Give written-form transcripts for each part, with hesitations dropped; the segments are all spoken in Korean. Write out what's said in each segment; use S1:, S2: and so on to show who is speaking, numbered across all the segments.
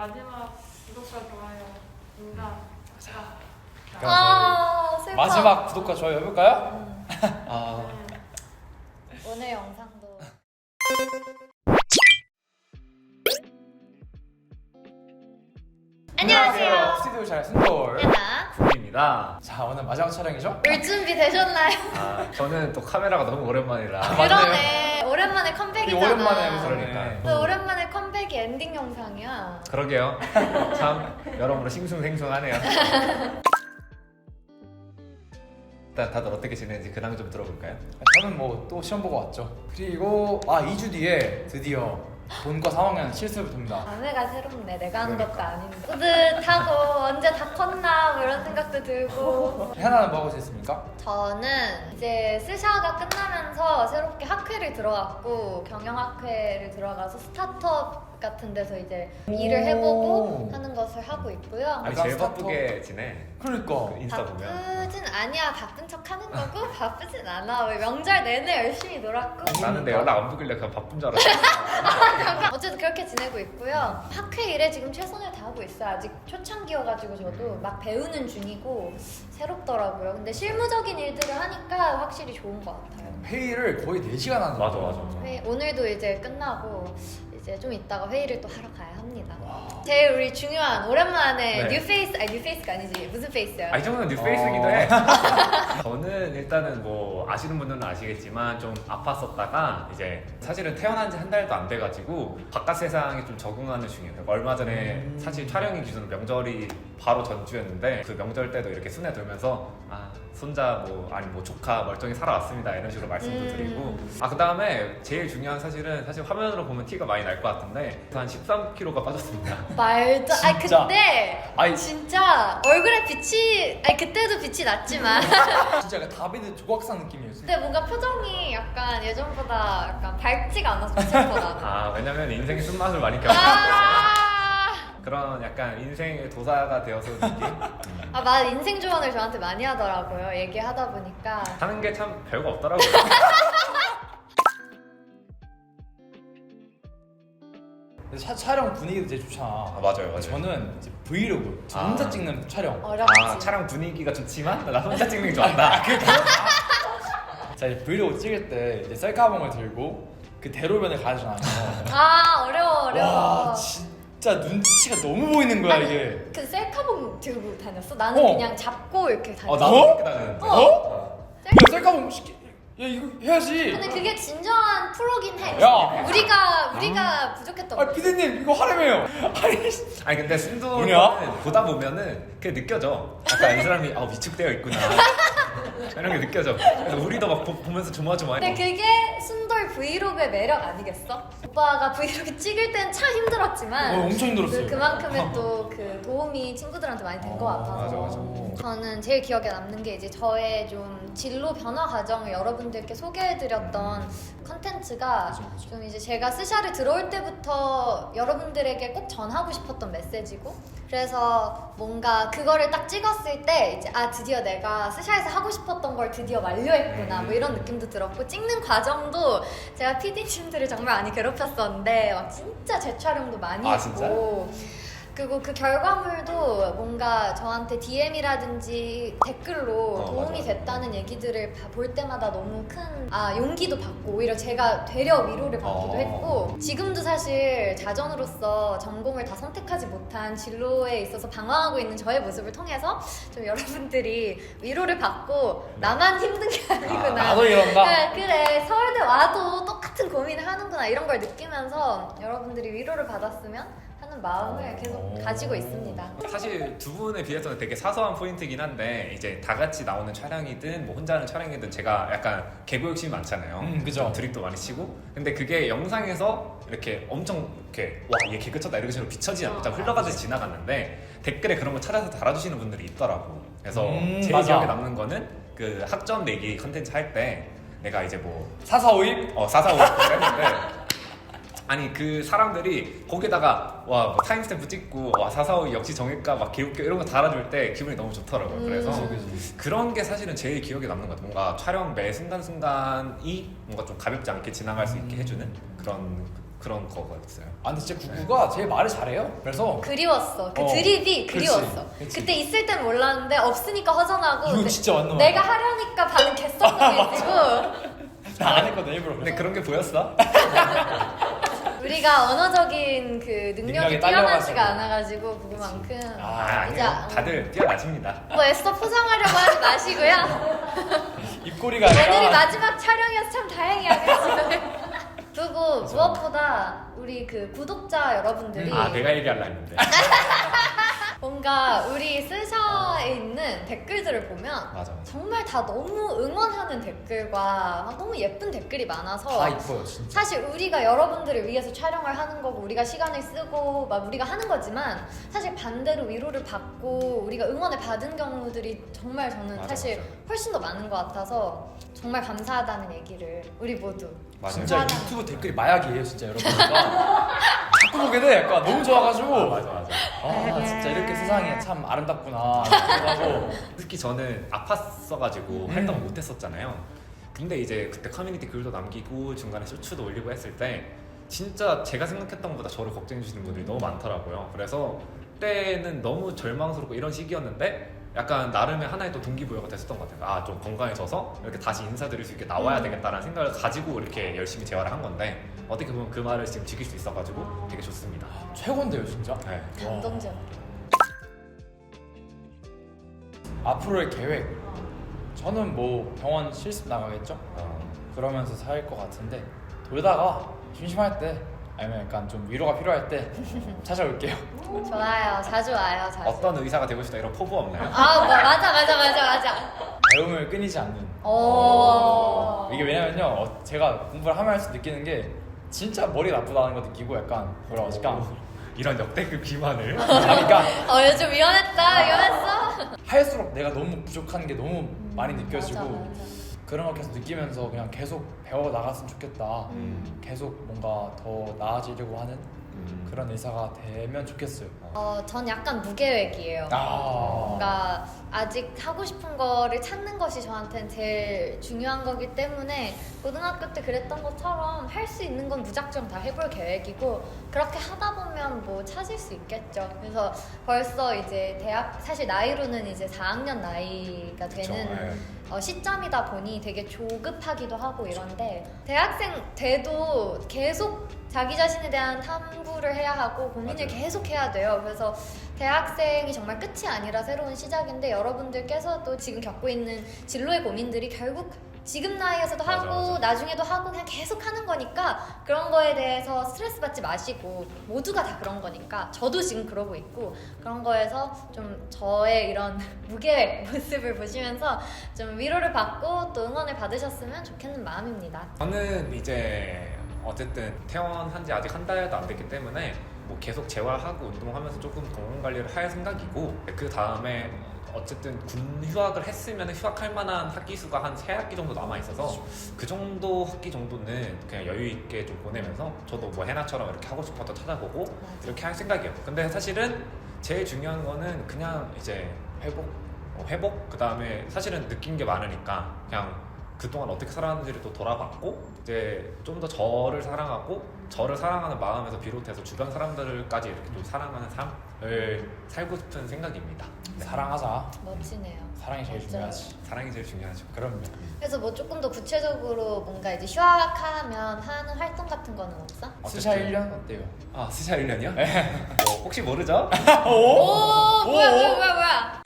S1: 마지막 구독과 좋아요 인가.
S2: 슬퍼.
S3: 마지막 구독과 좋아요 해볼까요? 아,
S2: 오늘 영상도 안녕하세요.
S3: 스튜디오 잘 순돌
S2: 하나.
S4: 입니다.
S3: 자, 오늘 마지막 촬영이죠?
S2: 올 준비 되셨나요?
S4: 저는 또 카메라가 너무 오랜만이라.
S2: 그러네. 오랜만에 컴백이잖아.
S3: 오랜만에 해서
S4: 그러니까.
S2: 또 오랜만에 컴백이 엔딩 영상이야.
S4: 그러게요. 참 여러모로 싱숭생숭하네요. 일단 다들 어떻게 지내는지 근황 좀 들어볼까요?
S3: 저는 뭐 또 시험 보고 왔죠. 그리고 2주 뒤에 드디어 본과 3학년 실습입니다.
S2: 감회가 새롭네. 내가 하는
S4: 그러니까.
S2: 것도 아닌데. 뿌듯하고 언제 다 컸나 뭐 이런 생각도 들고.
S3: 하나는 뭐 하고 있습니까?
S2: 저는 이제 스샤가 끝나면서 새롭게 학회를 들어갔고 경영학회를 들어가서 스타트업 같은 데서 이제 일을 해보고 하는 것을 하고 있고요.
S4: 아니
S3: 약간
S4: 제일
S3: 스타트업.
S4: 바쁘게 지내.
S3: 그러니까
S4: 그 인스타 보면.
S2: 바쁘진 아니야. 바쁜 척 하는 거고 바쁘진 않아. 왜 명절 내내 열심히 놀았고.
S4: 나는 내 연락 안 보길래 그냥 바쁜 줄 알았어.
S2: 어쨌든 그렇게 지내고 있고요. 학회 일에 지금 최선을 다하고 있어요. 아직 초창기여가지고 저도 막 배우는 중이고 새롭더라고요. 근데 실무적인 일들을 하니까 확실히 좋은 것 같아요.
S3: 회의를 거의 4시간 하는
S4: 맞아,
S3: 거예요.
S4: 맞아.
S2: 오늘도 이제 끝나고 이제 좀 이따가 회의를 또 하러 가야 합니다. 제일 우리 중요한 오랜만에
S4: 네.
S2: 뉴페이스 아니 뉴페이스가 아니지 무슨 페이스야?
S4: 이 정도는 뉴페이스기도 해. 저는 일단은 뭐 아시는 분들은 아시겠지만 좀 아팠었다가 이제 사실은 태어난 지 한 달도 안 돼가지고 바깥 세상에 좀 적응하는 중이에요. 그러니까 얼마 전에 사실 촬영이 기준 명절이 바로 전주였는데 그 명절 때도 이렇게 순회 돌면서 손자 뭐 아니 뭐 조카 멀쩡히 살아왔습니다 이런 식으로 말씀도 드리고 그 다음에 제일 중요한 사실은 사실 화면으로 보면 티가 많이 날 것 같은데 한 13kg가 빠졌습니다.
S2: 말도 아니
S3: 진짜?
S2: 근데
S3: 아니,
S2: 진짜 얼굴에 빛이 아니 그때도 빛이 났지만
S3: 진짜 약간 다비드 조각상 느낌이었어요.
S2: 근데 뭔가 표정이 약간 예전보다 약간 밝지가 않아서 예전보다
S4: 왜냐면 인생의 쓴맛을 많이 겪었어요. 그런 약간 인생의 도사가 되어서 느낌?
S2: 맞아 인생 조언을 저한테 많이 하더라고요 얘기하다 보니까
S4: 하는 게 참 별거 없더라고요.
S3: 촬영 분위기도 되게 좋잖아.
S4: 맞아요.
S3: 저는 이제 브이로그, 저 혼자 찍는 촬영.
S2: 어렵지
S4: 촬영 분위기가 좋지만 나 혼자 찍는 게 좋아한다.
S3: 자, 이제 브이로그 찍을 때 이제 셀카봉을 들고 그 대로변을 가잖아요.
S2: 어려워
S3: 와, 진짜 눈치가 너무 보이는 거야, 이게.
S2: 그 셀카봉 들고 다녔어? 나는 그냥 잡고 이렇게 다녔어
S4: 나도
S3: 어?
S4: 그렇게 다녔는데.
S3: 야, 셀카봉 야, 이거 해야지.
S2: 근데 그게 진정한 프로긴 해
S3: 야.
S2: 우리가 부족했던 거지
S3: 피디님, 이거 하라며요.
S4: 아니 근데 순두는
S3: 뭐냐?
S4: 보다 보면은 그게 느껴져. 약간 이 사람이 위축되어 있구나. 이런 게 느껴져. 그래서 우리도 막 보면서 조마조마해.
S2: 근데 그게 순돌 브이로그의 매력 아니겠어? 오빠가 브이로그 찍을 땐 참 힘들었지만
S3: 엄청 힘들었어요.
S2: 그만큼의 또 그 도움이 친구들한테 많이 된 것 같아서
S4: 맞아.
S2: 저는 제일 기억에 남는 게 이제 저의 좀 진로 변화 과정을 여러분들께 소개해드렸던 컨텐츠가 좀 이제 제가 스샤를 들어올 때부터 여러분들에게 꼭 전하고 싶었던 메시지고 그래서 뭔가 그거를 딱 찍었을 때 이제 드디어 내가 스샤에서 하고 싶었던 걸 드디어 완료했구나 뭐 이런 느낌도 들었고 찍는 과정도 제가 PD님들을 정말 많이 괴롭혔었는데 막 진짜 재촬영도 많이 했고 그리고 그 결과물도 뭔가 저한테 DM이라든지 댓글로 도움이 됐다는 얘기들을 볼 때마다 너무 큰 용기도 받고 오히려 제가 되려 위로를 받기도 했고 지금도 사실 자전으로서 전공을 다 선택하지 못한 진로에 있어서 방황하고 있는 저의 모습을 통해서 좀 여러분들이 위로를 받고 나만 힘든 게 아니구나
S3: 나도 이런다.
S2: 네, 그래 서울대 와도 똑같은 고민을 하는구나 이런 걸 느끼면서 여러분들이 위로를 받았으면 하는 마음을 계속 가지고 있습니다.
S4: 사실 두 분에 비해서는 되게 사소한 포인트긴 한데 이제 다 같이 나오는 촬영이든 뭐 혼자 하는 촬영이든 제가 약간 개그 욕심이 많잖아요.
S3: 그죠.
S4: 좀 드립도 많이 치고 근데 그게 영상에서 이렇게 엄청 이렇게 얘 개그 쳤다 이런 식으로 비춰지지 않고 흘러가듯이 지나갔는데 댓글에 그런 거 찾아서 달아주시는 분들이 있더라고. 그래서 제일
S3: 맞아.
S4: 기억에 남는 거는 그 학점 내기 컨텐츠 할 때 내가 이제 뭐
S3: 445입?
S4: 445 했는데 아니 그 사람들이 거기다가 뭐 타임스탬프 찍고 445 역시 정일까 막 개웃겨 이런 거 달아줄 때 기분이 너무 좋더라고요. 그래서 그런 게 사실은 제일 기억에 남는 것 같아요. 뭔가 촬영 매 순간순간이 뭔가 좀 가볍지 않게 지나갈 수 있게 해주는 그런 그런 거였어요.
S3: 아 근데 진짜 구구가 제일 말을 잘해요. 그래서
S2: 그리웠어. 그
S3: 어,
S2: 드립이
S3: 그치,
S2: 그리웠어.
S3: 그치.
S2: 그때 있을 땐 몰랐는데 없으니까 허전하고
S3: 이거 진짜 맞는
S2: 내가
S3: 말이야.
S2: 하려니까 반응 개썩해지고
S3: 나안 했거든 일부러.
S4: 근데 그런 게 보였어?
S2: 우리가 언어적인 그 능력이
S3: 능력이
S2: 뛰어나지가
S3: 딸려가지고.
S2: 않아가지고 그거만큼
S4: 아니요.
S2: 이제
S4: 다들 뛰어나십니다.
S2: 뭐 애써 포장하려고 하지 마시고요.
S3: 입꼬리가
S2: 오늘이
S3: 아니라
S2: 마지막 촬영이어서 참 다행이야. 그치? 그리고 무엇보다 우리 그 구독자 여러분들이
S4: 아 내가 얘기하려 했는데.
S2: 뭔가 우리 스샤에 있는 댓글들을 보면
S4: 맞아.
S2: 정말 다 너무 응원하는 댓글과 막 너무 예쁜 댓글이 많아서
S3: 다 이뻐요 진짜.
S2: 사실 우리가 여러분들을 위해서 촬영을 하는 거고 우리가 시간을 쓰고 막 우리가 하는 거지만 사실 반대로 위로를 받고 우리가 응원을 받은 경우들이 정말 저는
S4: 맞아,
S2: 사실
S4: 맞아.
S2: 훨씬 더 많은 것 같아서 정말 감사하다는 얘기를 우리 모두
S4: 맞아요.
S3: 진짜
S2: 감사하다는
S3: 유튜브 댓글이 마약이에요 진짜 여러분. 자꾸 보게 돼. 약간 너무 좋아가지고.
S4: 아, 맞아.
S3: 아 진짜 이렇게 세상이 참 아름답구나 하고.
S4: 특히 저는 아팠어가지고 활동을 못했었잖아요. 근데 이제 그때 커뮤니티 글도 남기고 중간에 쇼츠도 올리고 했을 때 진짜 제가 생각했던 것보다 저를 걱정해 주시는 분들이 너무 많더라고요. 그래서 그때는 너무 절망스럽고 이런 시기였는데 약간 나름의 하나의 또 동기부여가 됐었던 것 같아요. 아 좀 건강해져서 이렇게 다시 인사드릴 수 있게 나와야 되겠다라는 생각을 가지고 이렇게 열심히 재활을 한 건데 어떻게 보면 그 말을 지금 지킬 수 있어가지고 되게 좋습니다.
S3: 최고인데요 진짜.
S4: 네.
S2: 감동적.
S3: 앞으로의 계획. 저는 뭐 병원 실습 나가겠죠. 그러면서 살 것 같은데 돌다가 심심할 때 아니면 약간 좀 위로가 필요할 때 찾아올게요.
S2: 좋아요. 자주 와요. 자주.
S4: 어떤 의사가 되고 싶다 이런 포부 없나요?
S2: 아, 뭐, 맞아.
S3: 배움을 끊이지 않는.
S2: 오.
S3: 이게 왜냐면요, 제가 공부를 하면 할수록 느끼는 게 진짜 머리 나쁘다는 거 느끼고 약간 뭐라 그러까
S4: 이런 역대급 비만을
S3: 그러니까
S2: 요즘 위험했어.
S3: 할수록 내가 너무 부족한 게 너무 많이 느껴지고
S2: 맞아.
S3: 그런 걸 계속 느끼면서 그냥 계속 배워 나갔으면 좋겠다. 계속 뭔가 더 나아지려고 하는 그런 의사가 되면 좋겠어요.
S2: 전 약간 무계획이에요.
S3: 아.
S2: 뭔가 아직 하고 싶은 거를 찾는 것이 저한테는 제일 중요한 거기 때문에 고등학교 때 그랬던 것처럼 할 수 있는 건 무작정 다 해볼 계획이고 그렇게 하다 보면 뭐 찾을 수 있겠죠. 그래서 벌써 이제 대학 사실 나이로는 이제 4학년 나이가 되는 시점이다 보니 되게 조급하기도 하고 이런데 대학생 돼도 계속 자기 자신에 대한 탐구를 해야 하고 고민을
S4: 맞아요.
S2: 계속 해야 돼요. 그래서 대학생이 정말 끝이 아니라 새로운 시작인데 여러분들께서도 지금 겪고 있는 진로의 고민들이 결국 지금 나이에서도
S4: 맞아,
S2: 하고
S4: 맞아.
S2: 나중에도 하고 그냥 계속 하는 거니까 그런 거에 대해서 스트레스 받지 마시고 모두가 다 그런 거니까 저도 지금 그러고 있고 그런 거에서 좀 저의 이런 무계획 모습을 보시면서 좀 위로를 받고 또 응원을 받으셨으면 좋겠는 마음입니다.
S4: 저는 이제 어쨌든 퇴원한 지 아직 한 달도 안 됐기 때문에 뭐 계속 재활하고 운동하면서 조금 건강 관리를 할 생각이고 그 다음에 어쨌든 군 휴학을 했으면 휴학할 만한 학기 수가 한 3학기 정도 남아 있어서 그 정도 학기 정도는 그냥 여유 있게 좀 보내면서 저도 뭐 해나처럼 이렇게 하고 싶어도 찾아보고 이렇게 할 생각이에요. 근데 사실은 제일 중요한 거는 그냥 이제 회복 그 다음에 사실은 느낀 게 많으니까 그냥 그동안 어떻게 살았는지를 또 돌아봤고 이제 좀 더 저를 사랑하고 저를 사랑하는 마음에서 비롯해서 주변 사람들까지 이렇게 또 사랑하는 삶을 살고 싶은 생각입니다. 네.
S3: 사랑하자.
S2: 멋지네요.
S3: 사랑이 제일
S2: 맞아요.
S3: 중요하지.
S4: 사랑이 제일 중요하죠.
S3: 그럼요.
S2: 그래서 뭐 조금 더 구체적으로 뭔가 이제 휴학하면 하는 활동 같은 거는 없어?
S3: 스샤 1년 어때요?
S4: 아 스샤 1년이요? 뭐 혹시 모르죠?
S2: 오, 뭐야.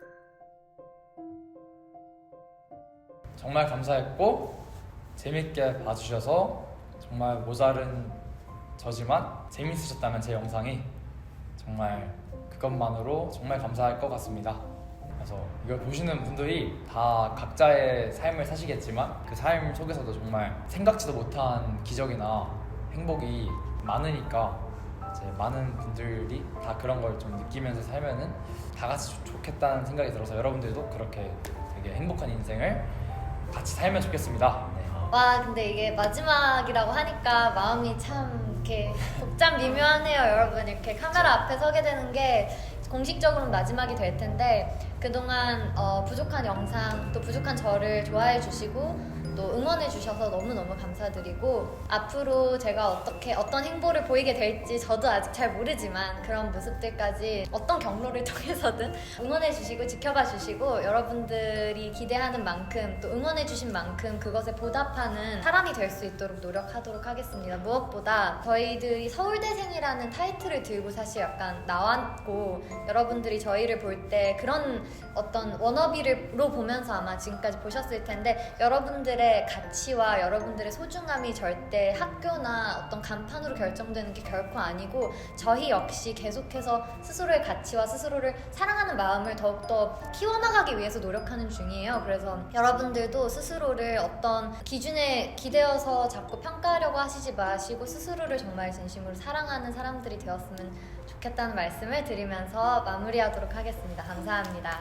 S3: 정말 감사했고 재밌게 봐주셔서 정말 모자른 저지만 재밌으셨다면 제 영상이 정말 그것만으로 정말 감사할 것 같습니다. 그래서 이걸 보시는 분들이 다 각자의 삶을 사시겠지만 그 삶 속에서도 정말 생각지도 못한 기적이나 행복이 많으니까 이제 많은 분들이 다 그런 걸 좀 느끼면서 살면은 다 같이 좋겠다는 생각이 들어서 여러분들도 그렇게 되게 행복한 인생을 같이 살면 좋겠습니다. 네.
S2: 와, 근데 이게 마지막이라고 하니까 마음이 참 이렇게 복잡 미묘하네요, 여러분. 이렇게 카메라 앞에 서게 되는 게 공식적으로는 마지막이 될 텐데 그동안 부족한 영상 또 부족한 저를 좋아해 주시고 또 응원해 주셔서 너무너무 감사드리고 앞으로 제가 어떤 행보를 보이게 될지 저도 아직 잘 모르지만 그런 모습들까지 어떤 경로를 통해서든 응원해 주시고 지켜봐 주시고 여러분들이 기대하는 만큼 또 응원해 주신 만큼 그것에 보답하는 사람이 될 수 있도록 노력하도록 하겠습니다. 무엇보다 저희들이 서울대생이라는 타이틀을 들고 사실 약간 나왔고 여러분들이 저희를 볼 때 그런 어떤 워너비로 보면서 아마 지금까지 보셨을 텐데 여러분들의 가치와 여러분들의 소중함이 절대 학교나 어떤 간판으로 결정되는 게 결코 아니고 저희 역시 계속해서 스스로의 가치와 스스로를 사랑하는 마음을 더욱더 키워나가기 위해서 노력하는 중이에요. 그래서 여러분들도 스스로를 어떤 기준에 기대어서 자꾸 평가하려고 하시지 마시고 스스로를 정말 진심으로 사랑하는 사람들이 되었으면 좋겠다는 말씀을 드리면서 마무리하도록 하겠습니다. 감사합니다.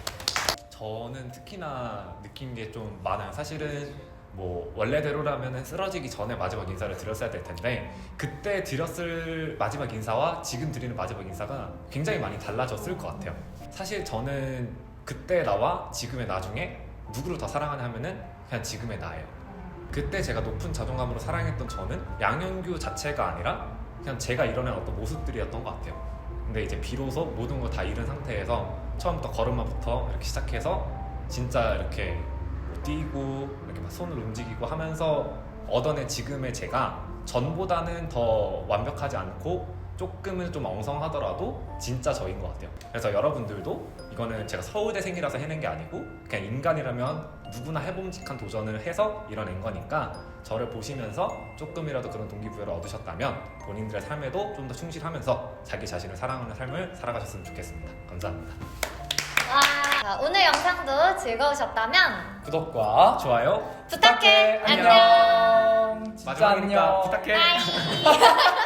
S4: 저는 특히나 느낀 게 좀 많아요. 사실은 뭐 원래대로라면 쓰러지기 전에 마지막 인사를 드렸어야 될 텐데 그때 드렸을 마지막 인사와 지금 드리는 마지막 인사가 굉장히 많이 달라졌을 것 같아요. 사실 저는 그때 나와 지금의 나 중에 누구를 더 사랑하냐 하면은 그냥 지금의 나예요. 그때 제가 높은 자존감으로 사랑했던 저는 양현규 자체가 아니라 그냥 제가 이뤄낸 어떤 모습들이었던 것 같아요. 근데 이제 비로소 모든 걸 다 잃은 상태에서 처음부터 걸음마부터 이렇게 시작해서 진짜 이렇게 뭐 뛰고 이렇게 막 손을 움직이고 하면서 얻어낸 지금의 제가 전보다는 더 완벽하지 않고 조금은 좀 엉성하더라도 진짜 저인 것 같아요. 그래서 여러분들도 이거는 제가 서울대생이라서 해낸 게 아니고 그냥 인간이라면 누구나 해봄직한 도전을 해서 이뤄낸 거니까 저를 보시면서 조금이라도 그런 동기부여를 얻으셨다면 본인들의 삶에도 좀 더 충실하면서 자기 자신을 사랑하는 삶을 살아가셨으면 좋겠습니다. 감사합니다.
S2: 와, 자, 오늘 영상도 즐거우셨다면
S3: 구독과
S4: 좋아요
S2: 부탁해.
S3: 안녕. 진짜
S4: 마지막이니까
S3: 안녕.
S4: 부탁해.
S2: 바이.